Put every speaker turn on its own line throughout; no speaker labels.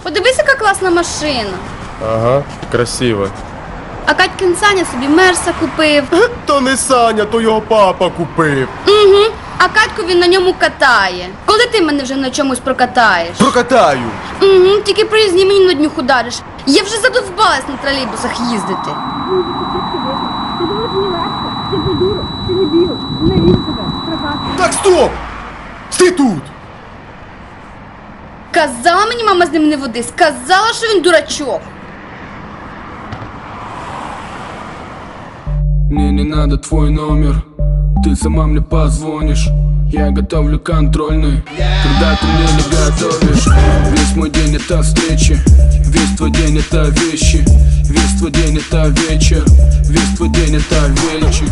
Подивись, яка класна машина.
Ага, красиво.
А Катькин Саня собі Мерса купив.
То не Саня, то його папа купив.
Угу. А Катьку він на ньому катає. Коли ти мене вже на чомусь прокатаєш?
Прокатаю.
Угу, тільки проїзні мені на днюх удариш. Я вже задовбалась на тролейбусах їздити.
Ти думаєш, мені легко? Ти придурок, ти не біл, навіщо тебе, прокат.
Так, стоп! Стій тут!
Казала мені мама з ним не води, сказала, що він дурачок.
Мне не надо твой номер, ты сама мне позвонишь. Я готовлю контрольный, когда ты мне не готовишь. Весь мой день это встречи, весь твой день это вещи, весь твой день это вечер, весь твой день это вечер.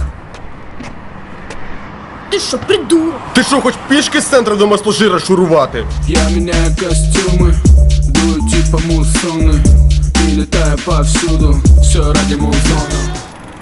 Ти що, придурок?
Ти що, хоч пішки з центру до масложира шурувати?
Я меняю костюмы, дую типа муссоны и летаю повсюду, все ради музона.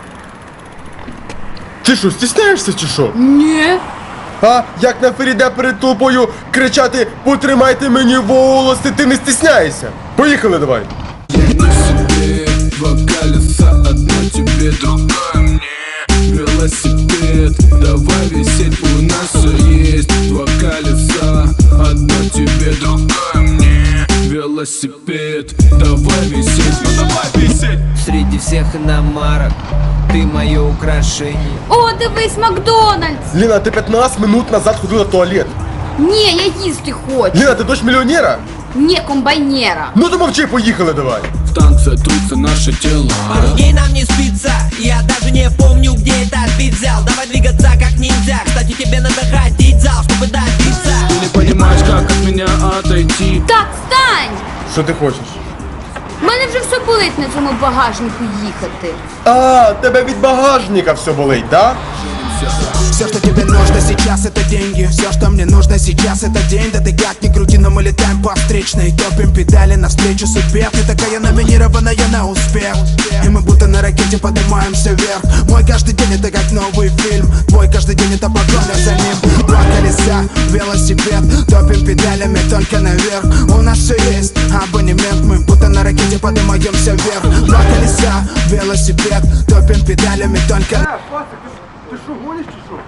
Ти що, стісняєшся чи що?
Ні.
А як на Феріде перед толпою кричати «Потримайте мені волоси», ти не стісняєшся? Поїхали давай!
Я не себе, два колеса, одно тебе, другое мне. Велосипед, давай висеть, у нас все есть. Два колеса, одно тебе, другое мне. Велосипед, давай висеть, ну давай висеть.
Среди всех иномарок ты мое украшение.
О, дивись, Макдональдс.
Ліна, ти 15 минут назад ходила в туалет.
Ні, я їсти хочу.
Ліна, ти дочь мільйонера?
Ні, комбайнера.
Ну то мовчи, поїхали давай.
В танце трутся наши тела.
Пару дней нам не спится, я даже не помню, где этот бит взял. Давай двигаться как ниндзя, кстати, тебе надо ходить в зал, чтобы добиться.
Ты не понимаешь, как от меня отойти.
Так, встань!
Що ти хочеш?
У мене вже все болить на цьому багажнику їхати.
А, тебе від багажника все болить, да?
Все, что тебе нужно сейчас, это деньги. Все, что мне нужно сейчас, это день. Да ты как ни крути, но мы летаем по встречной. Топим педали навстречу судьбе. Ты такая номинированная на успех. И мы будто на ракете поднимаемся вверх. Мой каждый день это как новый фильм. Твой каждый день это погоня за ним. Два колеса, велосипед. Топим педалями только наверх. У нас все есть абонемент. Мы будто на ракете поднимаемся вверх. Два колеса, велосипед. Топим педалями только наверх.
Ти що, гониш чи що?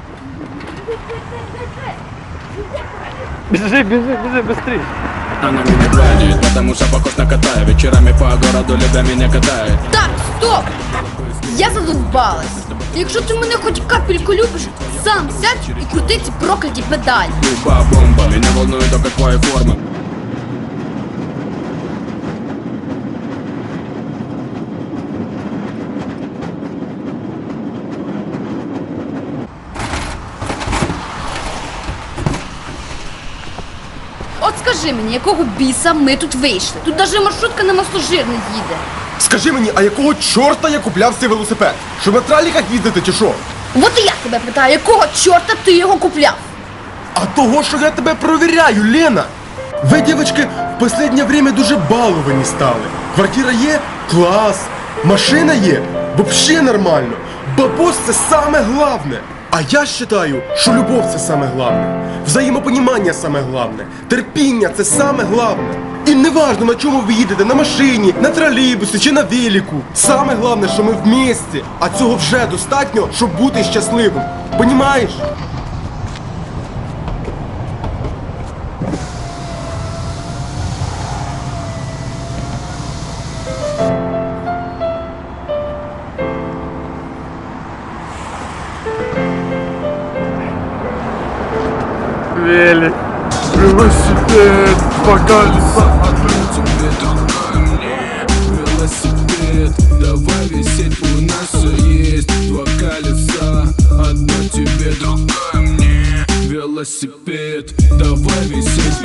Она меня гладит, потому что похож на кота. Вечерами по городу любя меня катает.
Так, стоп! Я задовбалась. Якщо ти мене хоч капельку любиш, сам сядь і крути ці прокляті педалі.
Люба бомба, меня волнует только твоя форма.
От скажи мені, якого біса ми тут вийшли? Тут навіть маршрутка на масложир не їде.
Скажи мені, а якого чорта я купляв цей велосипед? Щоб на траліках їздити чи що?
От і я тебе питаю, якого чорта ти його купляв?
А того, що я тебе провіряю, Лена! Ви, дівчатки, в останнє время дуже баловані стали. Квартира є? Клас! Машина є? Вообще нормально! Бабос – це саме главне! А я вважаю, що любов – це саме главне. Взаємопонімання – саме главне. Терпіння – це саме главне. І не важно, на чому ви їдете, на машині, на тролейбусі чи на велику. Саме головне, що ми в місті. А цього вже достатньо, щоб бути щасливим. Понімаєш?
Велик, велосипед, два колеса, одно тебе, другое мне. Велосипед, давай висеть, у нас все есть. Два колеса, одно тебе, другое мне. Велосипед, давай висеть.